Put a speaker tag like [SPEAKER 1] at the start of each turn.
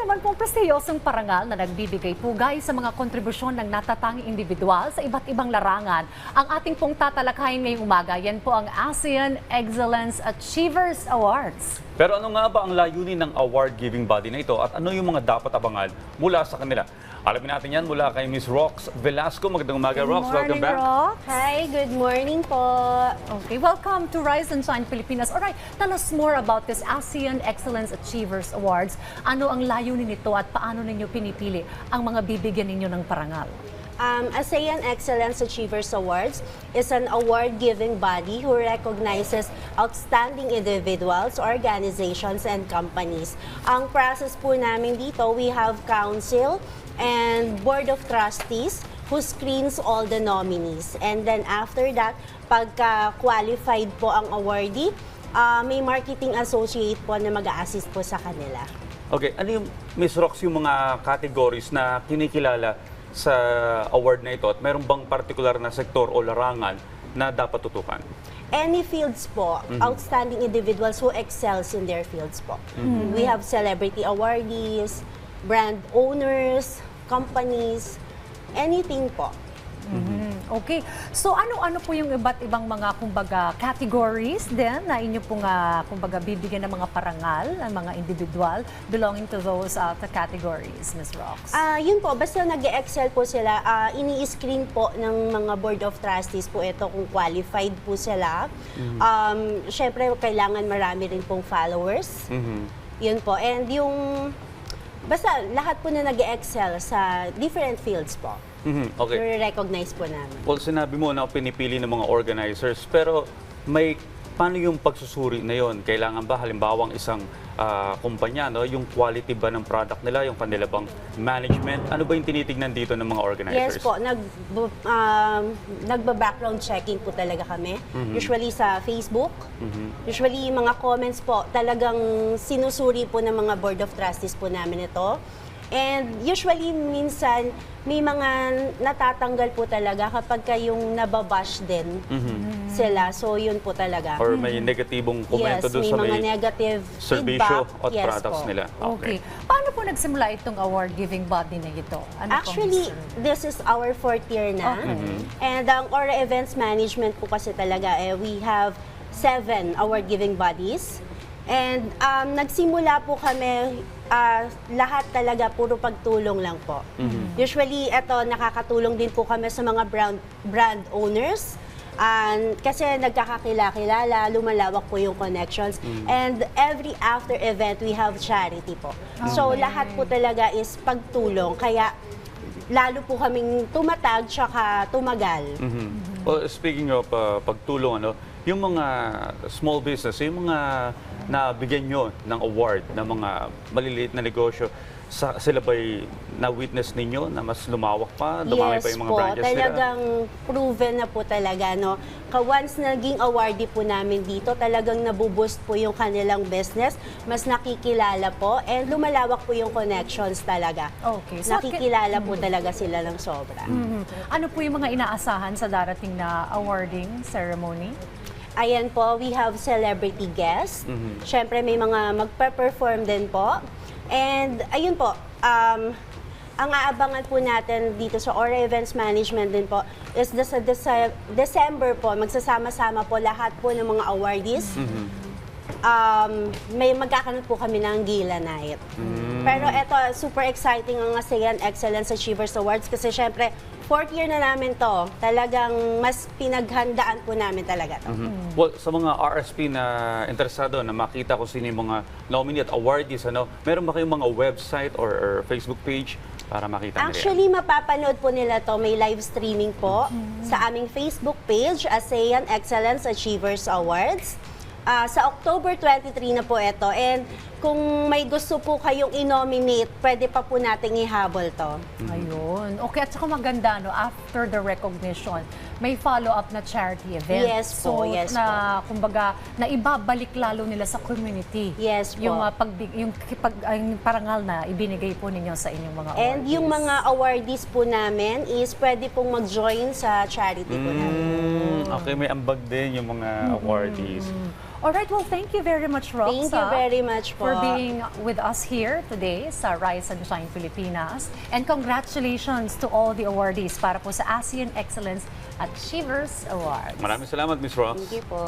[SPEAKER 1] naman pong prestiyosong parangal na nagbibigay pugay sa mga kontribusyon ng natatanging individual sa iba't ibang larangan. Ang ating pong tatalakayin ngayong umaga, yan po ang ASEAN Excellence Achievers Awards.
[SPEAKER 2] Pero ano nga ba ang layunin ng award-giving body na ito at ano yung mga dapat abangan mula sa kanila? Alamin natin yan mula kay Ms. Rox Velasco. Magandang umaga, Rox. Welcome back.
[SPEAKER 1] Rox.
[SPEAKER 3] Hi, good morning po.
[SPEAKER 1] Okay, welcome to Rise and Shine Pilipinas. Alright, tell us more about this ASEAN Excellence Achievers Awards. Ano ang layunin nito at paano ninyo pinipili ang mga bibigyan ninyo ng parangal?
[SPEAKER 3] ASEAN Excellence Achievers Awards is an award-giving body who recognizes outstanding individuals, organizations, and companies. Ang process po namin dito, we have council and board of trustees who screens all the nominees. And then after that, pagka-qualified po ang awardee, may marketing associate po na mag-a-assist po sa kanila.
[SPEAKER 2] Okay, ano yung, Ms. Rox, yung mga categories na kinikilala sa award na ito at mayroon bang particular na sektor o larangan na dapat tutukan?
[SPEAKER 3] Any fields po, outstanding individuals who excels in their fields po. We have celebrity awardees, brand owners, companies, anything po.
[SPEAKER 1] Okay. So ano-ano po yung iba't ibang mga kumbaga categories din na inyo pong kumbaga bibigyan ng mga parangal ng mga individual belonging to those categories, Ms. Rox?
[SPEAKER 3] Yun po, basta nag-excel po sila, ini-screen po ng mga board of trustees po ito kung qualified po sila. Syempre, kailangan marami rin pong followers. Yun po. And yung, basta lahat po na nag-excel sa different fields po.
[SPEAKER 2] Okay.
[SPEAKER 3] I-recognize po namin.
[SPEAKER 2] Well, sinabi mo na pinipili ng mga organizers, pero paano yung pagsusuri na yon? Kailangan ba halimbawang isang kumpanya, no? Yung quality ba ng product nila, yung kanila bang management? Ano ba yung tinitignan dito ng mga organizers?
[SPEAKER 3] Yes po, nagba-background checking po talaga kami. Usually sa Facebook. Usually mga comments po, talagang sinusuri po ng mga board of trustees po namin ito. And usually, minsan, may mga natatanggal po talaga kapag yung nababash din sila. So, yun po talaga.
[SPEAKER 2] Or may negatibong komento doon sa
[SPEAKER 3] may mga negative
[SPEAKER 2] serbisyo
[SPEAKER 3] feedback.
[SPEAKER 2] at
[SPEAKER 3] Yes
[SPEAKER 2] products
[SPEAKER 3] po.
[SPEAKER 2] nila.
[SPEAKER 1] Okay. Paano po nagsimula itong award-giving body na ito? Ano
[SPEAKER 3] Actually, this is our 4th year na. And ang Aura Events Management po kasi talaga, we have 7 award-giving bodies. And nagsimula po kami, lahat talaga puro pagtulong lang po. Usually, nakakatulong din po kami sa mga brand owners. Kasi nagkakakilala, lumalawak po yung connections. And every after event, we have charity po. So, lahat po talaga is pagtulong. Kaya, lalo po kaming tumatag tsaka tumagal.
[SPEAKER 2] Well, speaking of pagtulong, yung mga small business, yung mga nabigyan nyo ng award ng mga maliliit na negosyo, sila ba'y na-witness ninyo na mas lumawak pa, dumami pa yung mga branches nila?
[SPEAKER 3] Talagang proven na po talaga. No? Once naging awardee po namin dito, talagang nabuboost po yung kanilang business, mas nakikilala po, and lumalawak po yung connections talaga.
[SPEAKER 1] Okay. So,
[SPEAKER 3] nakikilala po talaga sila ng sobra.
[SPEAKER 1] Ano po yung mga inaasahan sa darating na awarding ceremony?
[SPEAKER 3] Ayan po, we have celebrity guests. Siyempre, may mga magpe-perform din po. And ayun po, ang aabangan po natin dito sa Aura Events Management din po is sa December po, magsasama-sama po lahat po ng mga awardees. May magkakaroon po kami ng gala night. Pero ito, super exciting ang ASEAN Excellence Achievers Awards kasi syempre, 4th year na namin to. Talagang mas pinaghandaan po namin talaga to.
[SPEAKER 2] Well, sa mga RSP na interesado na makita kung sino yung mga nominee at awardees, meron ba kayong mga website or Facebook page para makita nila?
[SPEAKER 3] Actually, mapapanood po nila to. May live streaming po sa aming Facebook page, ASEAN Excellence Achievers Awards. Sa October 23 na po ito. And kung may gusto po kayong i-nominate, pwede pa po nating ihabol to.
[SPEAKER 1] Ayun. Okay, at saka maganda, after the recognition, may follow-up na charity event.
[SPEAKER 3] Yes po, yes
[SPEAKER 1] na, kumbaga, na ibabalik lalo nila sa community.
[SPEAKER 3] Yes po.
[SPEAKER 1] Yung parangal na ibinigay po ninyo sa inyong mga awardees.
[SPEAKER 3] And yung mga awardees po namin is pwede pong mag-join sa charity po namin.
[SPEAKER 2] Okay, may ambag din yung mga awardees.
[SPEAKER 1] Alright, well, thank you very much, Rox.
[SPEAKER 3] Thank you very much po.
[SPEAKER 1] for being with us here today sa Rise and Shine Pilipinas. And congratulations to all the awardees para po sa ASEAN Excellence Achievers Awards.
[SPEAKER 2] Maraming salamat, Miss Rox.
[SPEAKER 3] Thank you po.